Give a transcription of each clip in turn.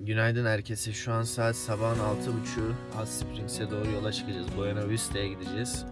Günaydın herkese. Şu an saat sabahın 6.30. Hot Springs'e doğru yola çıkacağız. Buena Vista'ya gideceğiz.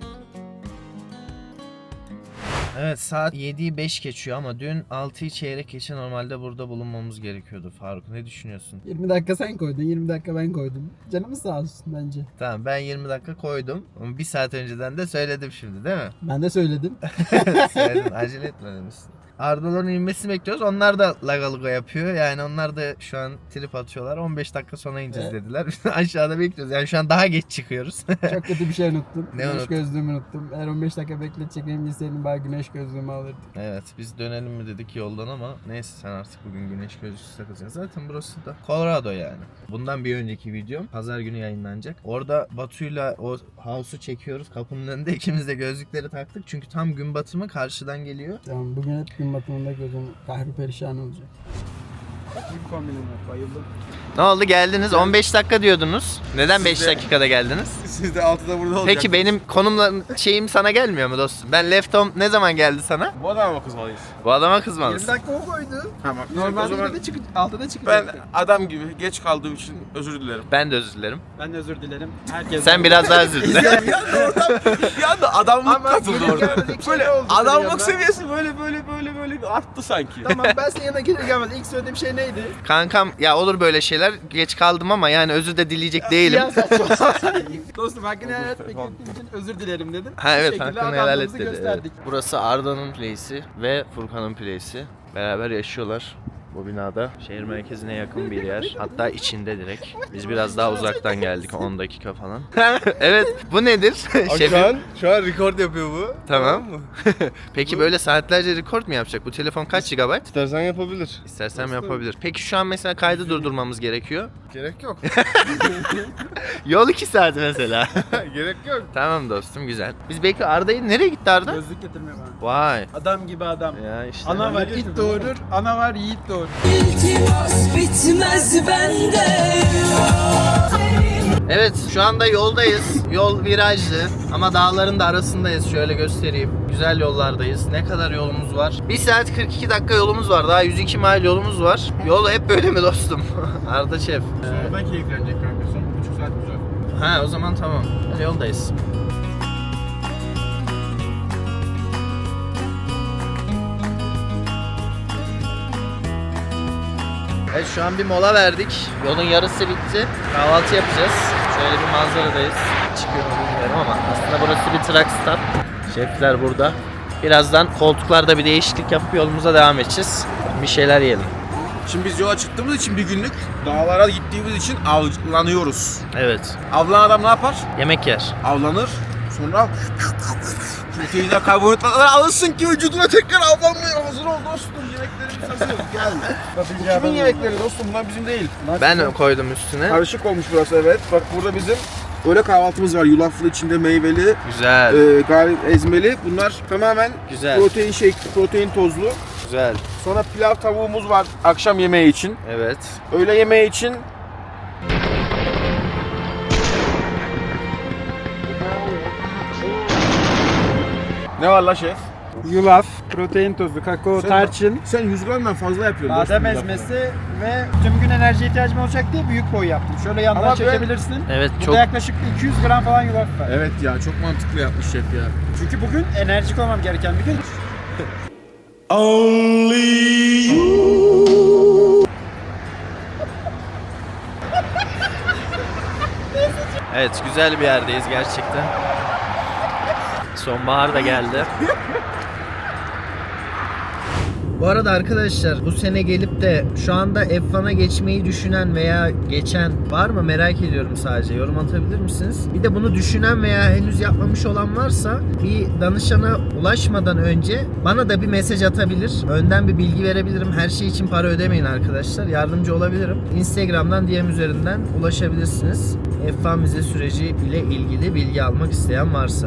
Evet, saat 7'yi 5 geçiyor ama dün 6'yı çeyrek geçe normalde burada bulunmamız gerekiyordu. Faruk, ne düşünüyorsun? 20 dakika sen koydun, 20 dakika ben koydum. Canımız sağ olsun bence. Tamam, ben 20 dakika koydum ama 1 saat önceden de söyledim şimdi, değil mi? Ben de söyledim. Söyledim, acele etmemişsin. Ardaların inmesini bekliyoruz. Onlar da lagaluga yapıyor. Yani onlar da şu an trip atıyorlar. 15 dakika sonra ineceğiz dediler. Biz aşağıda bekliyoruz. Yani şu an daha geç çıkıyoruz. Çok kötü bir şey unuttum. Ne güneş unuttun? gözlüğümü unuttum. Eğer 15 dakika bekleteceğimi bilseydim bari güneş gözlüğümü alırdık. Evet, biz dönelim mi dedik yoldan ama neyse, sen artık bugün güneş gözlüğü takacaksın. Zaten burası da Colorado yani. Bundan bir önceki videom pazar günü yayınlanacak. Orada Batu'yla o house'u çekiyoruz. Kapının önünde ikimiz de gözlükleri taktık. Çünkü tam gün batımı karşıdan geliyor. Tamam, bugün hep gün batımında gözüm kahri perişan olacak. Bir kombinim var, bayıldım. Ne oldu, geldiniz? 15 dakika diyordunuz. Neden 5 Siz de- dakikada geldiniz? Siz de 6'da burada olacaksınız. Peki benim konumla şeyim sana gelmiyor mu dostum? Ben Left Home ne zaman geldi sana? Bu adama mı kızmalıyız? Bu adama kızmalısın. dakika o koydu. Tamam. Normalde o zaman 6'da ben çıkacak. adam gibi geç kaldığım için özür dilerim. Ben de özür dilerim. Ben de özür dilerim. Herkes Sen biraz daha özür dile. Bir anda adamlık Ama katıldı gelir orada. gelmedik şey Böyle oldu senin yanında. adamlık seviyesi böyle bir arttı sanki. Tamam, ben senin yanına gelir gelmez ilk söylediğim şey neydi? Kankam, ya olur böyle şeyler. Geç kaldım ama yani özür de dileyecek değilim. Dostum, hakkını helal etmek için özür dilerim dedim. Ha Bu evet, şekilde hakkını helal et adamlığımızı dedi. Evet. gösterdik. Burası Arda'nın place'i ve Furkan'ın place'i. Beraber yaşıyorlar bu binada. Şehir merkezine yakın bir yer. Hatta içinde direkt. Biz biraz daha uzaktan geldik, 10 dakika falan. Evet, bu nedir? Şefim. Şu an record yapıyor bu. Tamam. Peki böyle saatlerce record mu yapacak? Bu telefon kaç GB? İstersen yapabilir. İstersem yapabilir. Peki şu an mesela kaydı durdurmamız gerekiyor. Gerek yok. Yol 2 saat mesela. Gerek yok. Tamam dostum, güzel. Biz belki Arda'yı, nereye gitti Arda? Gözlük getirmiyor bana. Vay. Adam gibi adam. Ya işte. Ana var it doğurur, ana var yiğit doğurur. İltimas bitmez bende. Evet, şu anda yoldayız. Yol virajlı ama dağların da arasındayız. Şöyle göstereyim. Güzel yollardayız. Ne kadar yolumuz var? 1 saat 42 dakika yolumuz var. Daha 102 mil yolumuz var. Yol hep böyle mi dostum? Arda Şef. Sonradan keyiflenecek kanka. Son 1,5 saat güzel. Ha, o zaman tamam. Yoldayız. Evet, şu an bir mola verdik. Yolun yarısı bitti. Kahvaltı yapacağız. Şöyle bir manzaradayız. Çıkıyor mu bilmiyorum ama aslında burası bir truck stop. Şefler burada. Birazdan koltuklarda bir değişiklik yapıp yolumuza devam edeceğiz. Bir şeyler yiyelim. Şimdi biz yola çıktığımız için bir günlük dağlara gittiğimiz için avlanıyoruz. Evet. Avlanan adam ne yapar? Yemek yer. Avlanır. Sonra proteinler, karbonhidratlar alırsın ki vücuduna tekrar avlanmaya hazır ol dostum. Yemeklerimiz hazır. Gel. Kimin yemekleri dostum? Bunlar bizim değil. Ben koydum üstüne. Karışık olmuş burası, evet. Bak burada bizim öğle kahvaltımız var. Yulaflı, içinde meyveli, Güzel. ezmeli. Bunlar tamamen Güzel. protein protein tozlu. Güzel. Sonra pilav tavuğumuz var akşam yemeği için. Evet. Öğle yemeği için ne var la şef? Yulaf, protein tozu, kakao, tarçın, Sen 100 gramdan fazla yapıyorsun. badem dostum, ezmesi ve tüm gün enerji ihtiyacım olacak diye büyük boy yaptım. Şöyle yandan Ama ben- çekebilirsin. Evet, Burada çok yaklaşık 200 gram falan yulaf var. Evet ya, çok mantıklı yapmış şef ya. Çünkü bugün enerjik olmam gereken bir gün. Evet, güzel bir yerdeyiz gerçekten. Sonbahar da geldi. Bu arada arkadaşlar, bu sene gelip de şu anda F1'a geçmeyi düşünen veya geçen var mı, merak ediyorum sadece. Yorum atabilir misiniz? Bir de bunu düşünen veya henüz yapmamış olan varsa bir danışana ulaşmadan önce bana da bir mesaj atabilir. Önden bir bilgi verebilirim. Her şey için para ödemeyin arkadaşlar. Yardımcı olabilirim. Instagram'dan DM üzerinden ulaşabilirsiniz. F1 vize süreci ile ilgili bilgi almak isteyen varsa.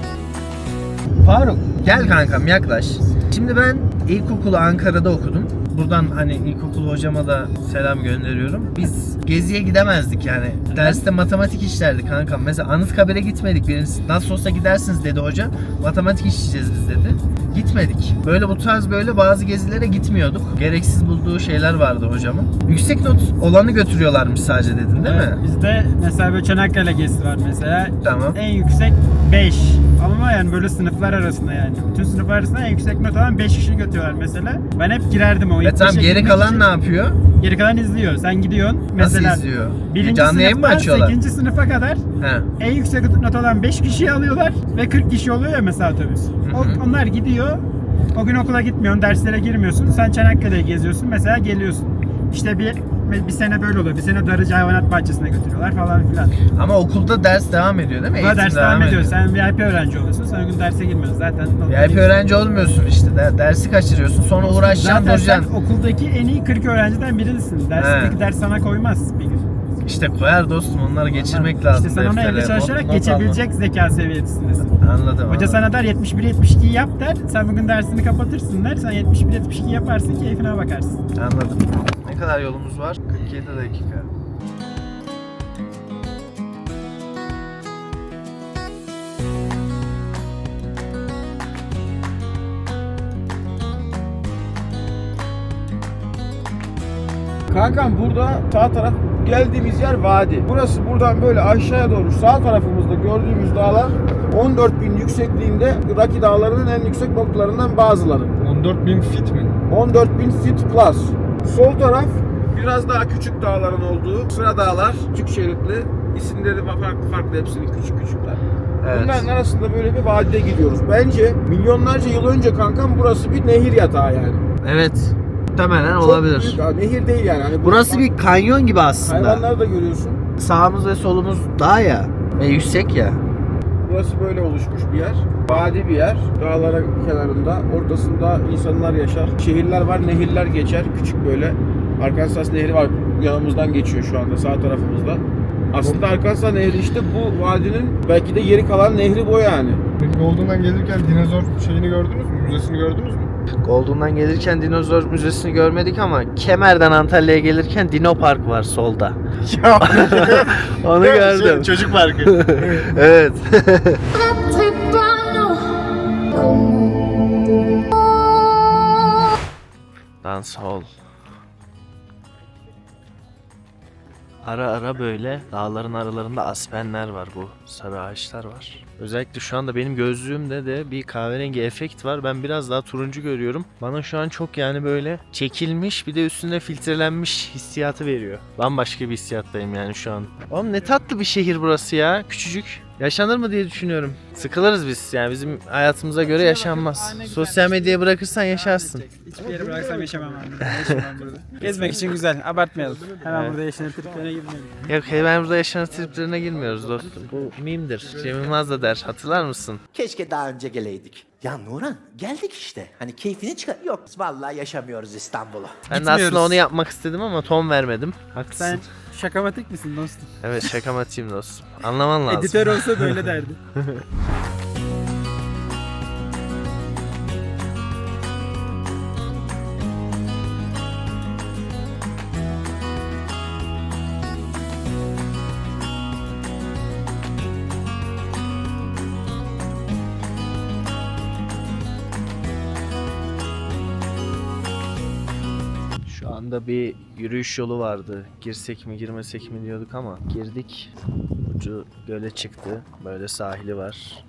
Faruk, gel kankam, yaklaş. Şimdi ben ilkokulu Ankara'da okudum. buradan hani ilkokul hocama da selam gönderiyorum. Biz geziye gidemezdik yani. Derste matematik işlerdik kanka. Mesela Anıtkabir'e gitmedik. Birincisi nasıl olsa gidersiniz dedi hoca. Matematik işleyeceğiz biz dedi. Gitmedik. Böyle bu tarz böyle bazı gezilere gitmiyorduk. Gereksiz bulduğu şeyler vardı hocamın. Yüksek not olanı götürüyorlarmış sadece dedin değil mi? Bizde mesela böyle Çanakkale gezisi var mesela. Tamam. En yüksek 5. Ama yani böyle sınıflar arasında yani. Bütün sınıflar arasında en yüksek not alan 5 kişi götürüyorlar mesela. Ben hep girerdim o. Tamam, geri kalan ne yapıyor? Geri kalan izliyor. Sen gidiyorsun. Mesela Nasıl izliyor? Birinci Canlı yayın mı sınıftan açıyorlar? 8. sınıfa kadar He. en yüksek not alan 5 kişiyi alıyorlar ve 40 kişi oluyor ya mesela otobüs. Onlar gidiyor. O gün okula gitmiyorsun, derslere girmiyorsun. Sen Çanakkale'ye geziyorsun. Mesela geliyorsun. İşte bir sene böyle oluyor. Bir sene Darıcı Hayvanat Bahçesi'ne götürüyorlar falan filan. Ama okulda ders devam ediyor değil mi? Ama Eğitim ders devam ediyor. Sen VIP öğrenci oluyorsun. Sen o gün derse girmiyorsun. Zaten VIP öğrenci olmuyorsun işte. Dersi kaçırıyorsun. Sonra uğraşacaksın, zaten sen duracaksın. okuldaki en iyi 40 öğrenciden birisin. Dersteki ders sana koymaz bir gün. İşte koyar dostum, onları geçirmek lazım. İşte sen ona evde deftere, çalışarak not geçebilecek zeka seviyesindesin. alma. Anladım. Hoca sana der 71-72 yap der. Sen bugün dersini kapatırsın der. Sen 71-72 yaparsın, keyfine bakarsın. Anladım. Ne kadar yolumuz var? 47 dakika. Kankam burada sağ taraf geldiğimiz yer vadi. Burası buradan böyle aşağıya doğru sağ tarafımızda gördüğümüz dağlar 14.000 yüksekliğinde Raki Dağları'nın en yüksek noktalarından bazıları. 14.000 fit mi? 14.000 feet plus. Sol taraf biraz daha küçük dağların olduğu sıra dağlar, küçük şeritli. İsimleri farklı hepsinin küçük küçükler. Evet. Bunların arasında böyle bir vadide gidiyoruz. Bence milyonlarca yıl önce kankam burası bir nehir yatağı yani. Evet. Muhtemelen Çok olabilir. büyük, nehir değil yani. Hani Burası bir kanyon gibi aslında. hayvanları da görüyorsun. Sağımız ve solumuz dağ ya. Ve yüksek ya. Burası böyle oluşmuş bir yer. Vadi bir yer. Dağlara kenarında. Ortasında insanlar yaşar. Şehirler var, nehirler geçer. Küçük böyle. Arkansas Nehri var. Yanımızdan geçiyor şu anda sağ tarafımızda. Aslında Arkansas Nehri işte bu vadinin belki de yeri kalan nehri bu yani. Peki Golden'dan gelirken dinozor şeyini gördünüz mü? Müzesini gördünüz mü? Golden'dan gelirken dinozor müzesini görmedik ama Kemer'den Antalya'ya gelirken Dino Park var solda. Onu gördüm. Çocuk parkı. Evet. Dancehall. Ara ara böyle dağların aralarında aspenler var, bu sarı ağaçlar var. Özellikle şu anda benim gözlüğümde de bir kahverengi efekt var. Ben biraz daha turuncu görüyorum. Bana şu an çok yani böyle çekilmiş, bir de üstünde filtrelenmiş hissiyatı veriyor. Bambaşka bir hissiyattayım yani şu an. Oğlum ne tatlı bir şehir burası ya, küçücük. Yaşanır mı diye düşünüyorum. Sıkılırız biz yani, bizim hayatımıza göre yaşanmaz. Sosyal medyaya bırakırsan yaşarsın. Hiçbir yere bıraksam yaşamam abi. Yaşamam burada. Gezmek için güzel. Abartmayalım. Hemen burada yaşanır triplerine girmeyelim. Yok ben burada yaşanan triplerine girmiyoruz dostum. Bu mimdir. Cem Yılmaz da der. Hatırlar mısın? Keşke daha önce geleydik. Ya Nuran geldik işte. Hani keyfini çıkar. Yok vallahi yaşamıyoruz İstanbul'u. Ben de Gitmiyoruz. aslında onu yapmak istedim ama ton vermedim. Haklısın. Sen şakamatik misin dostum? Evet, şakamatçıyım dostum. Anlaman lazım. Editör olsa böyle derdi. Şu anda bir yürüyüş yolu vardı. Girsek mi girmesek mi diyorduk ama girdik. Ucu göle çıktı. Böyle sahili var.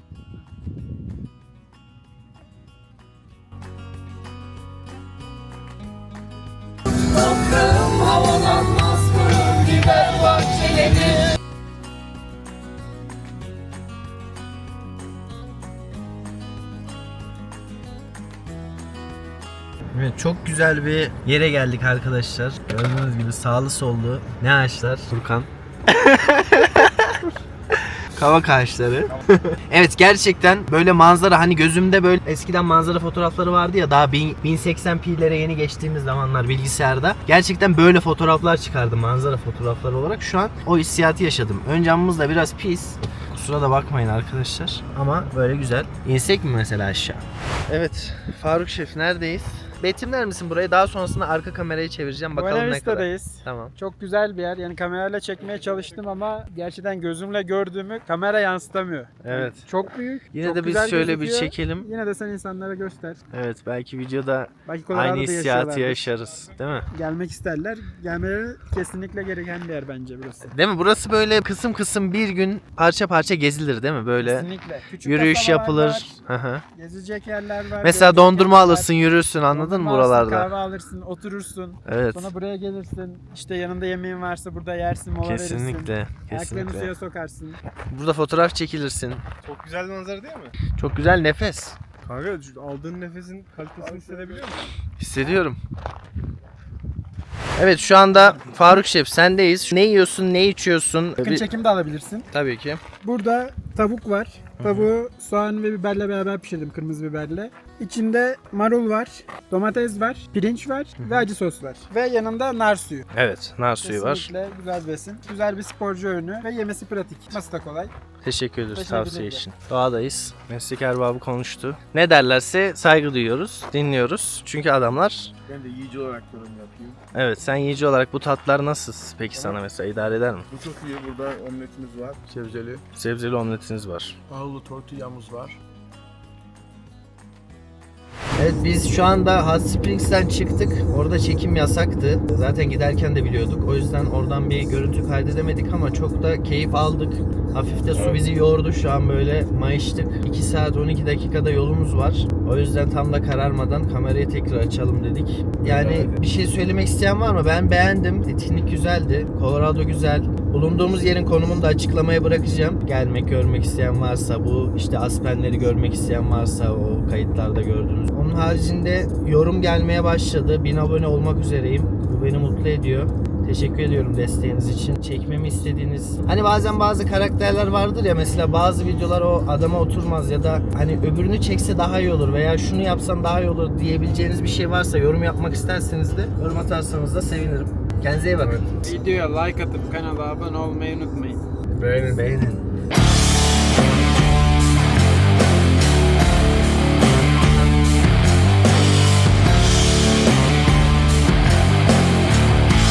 Toprağım havalanmaz kurur gider bahçeleri. Evet, çok güzel bir yere geldik arkadaşlar. Gördüğünüz gibi sağlı sollu ne ağaçlar? Furkan. Kavak ağaçları. Evet, gerçekten böyle manzara, hani gözümde böyle eskiden manzara fotoğrafları vardı ya, daha 1080p'lere yeni geçtiğimiz zamanlar bilgisayarda. Gerçekten böyle fotoğraflar çıkardı manzara fotoğrafları olarak. Şu an o hissiyatı yaşadım. Ön camımız da biraz pis. Kusura da bakmayın arkadaşlar. Ama böyle güzel. İnsek mi mesela aşağı? Evet, Faruk Şef neredeyiz? betimler misin burayı? Daha sonrasında arka kamerayı çevireceğim. Bakalım Buena ne kadar. Vista'dayız. Tamam. Çok güzel bir yer. Yani kamerayla çekmeye çalıştım ama gerçekten gözümle gördüğümü kamera yansıtamıyor. Evet. Çok büyük. Yine çok de biz güzel şöyle bir gözüküyor. çekelim. Yine de sen insanlara göster. Evet, belki videoda Belki Colorado'da aynı hissiyatı yaşıyorlardır. yaşarız. Değil mi? Gelmek isterler. Gelmeleri kesinlikle gereken bir yer bence burası. Değil mi? Burası böyle kısım kısım bir gün parça parça gezilir değil mi? Böyle Kesinlikle. Küçük yürüyüş kasabalar yapılır. var, Hı hı. gezecek yerler var. Mesela görecek dondurma yerler var. alırsın, yürürsün, anladın mı Dondurma alırsın, buralarda? Kahve alırsın, oturursun. Evet. Sonra buraya gelirsin. İşte yanında yemeğin varsa burada yersin, mola verirsin. Kesinlikle. Ayaklarını Kesinlikle. suya sokarsın. Burada fotoğraf çekilirsin. Çok güzel bir manzara değil mi? Çok güzel nefes. Kanka aldığın nefesin kalitesini hissedebiliyor musun? Hissediyorum. Evet, şu anda Faruk Şef sendeyiz. Ne yiyorsun, ne içiyorsun? Yakın çekim de alabilirsin. Tabii ki. Burada tavuk var. Tavuğu soğan ve biberle beraber pişirdim, kırmızı biberle. İçinde marul var, domates var, pirinç var ve acı sos var. Ve yanında nar suyu. Evet, nar suyu var. Kesinlikle güzel besin. Güzel bir sporcu öğünü ve yemesi pratik. Nasıl da kolay. Teşekkür ederiz Teşekkür tavsiye ederim. için. Doğadayız. Meslek erbabı konuştu. Ne derlerse saygı duyuyoruz, dinliyoruz. Çünkü adamlar... Ben de yiyici olarak yorum yapayım. Evet, sen yiyici olarak bu tatlar nasıl peki sana mesela idare eder mi? Bu çok iyi. Burada omletimiz var. Sebzeli. Sebzeli omletiniz var. Tahıllı tortillamız var. Evet, biz şu anda Hot Springs'ten çıktık. Orada çekim yasaktı. Zaten giderken de biliyorduk. O yüzden oradan bir görüntü kaydedemedik ama çok da keyif aldık. Hafif de su bizi yordu. Şu an böyle mayıştık. 2 saat 12 dakikada yolumuz var. O yüzden tam da kararmadan kamerayı tekrar açalım dedik. Yani bir şey söylemek isteyen var mı? Ben beğendim. Etkinlik güzeldi. Colorado güzel. Bulunduğumuz yerin konumunu da açıklamaya bırakacağım. Gelmek, görmek isteyen varsa, bu işte Aspenleri görmek isteyen varsa o kayıtlarda gördüğünüz. Onun haricinde yorum gelmeye başladı. 1000 abone olmak üzereyim. Bu beni mutlu ediyor. Teşekkür ediyorum desteğiniz için. Çekmemi istediğiniz... Hani bazen bazı karakterler vardır ya, mesela bazı videolar o adama oturmaz ya da hani öbürünü çekse daha iyi olur veya şunu yapsam daha iyi olur diyebileceğiniz bir şey varsa, yorum yapmak isterseniz de yorum atarsanız da sevinirim. Kendinize iyi bakın. Videoya like atıp kanala abone olmayı unutmayın. Beğenin. Beğenin.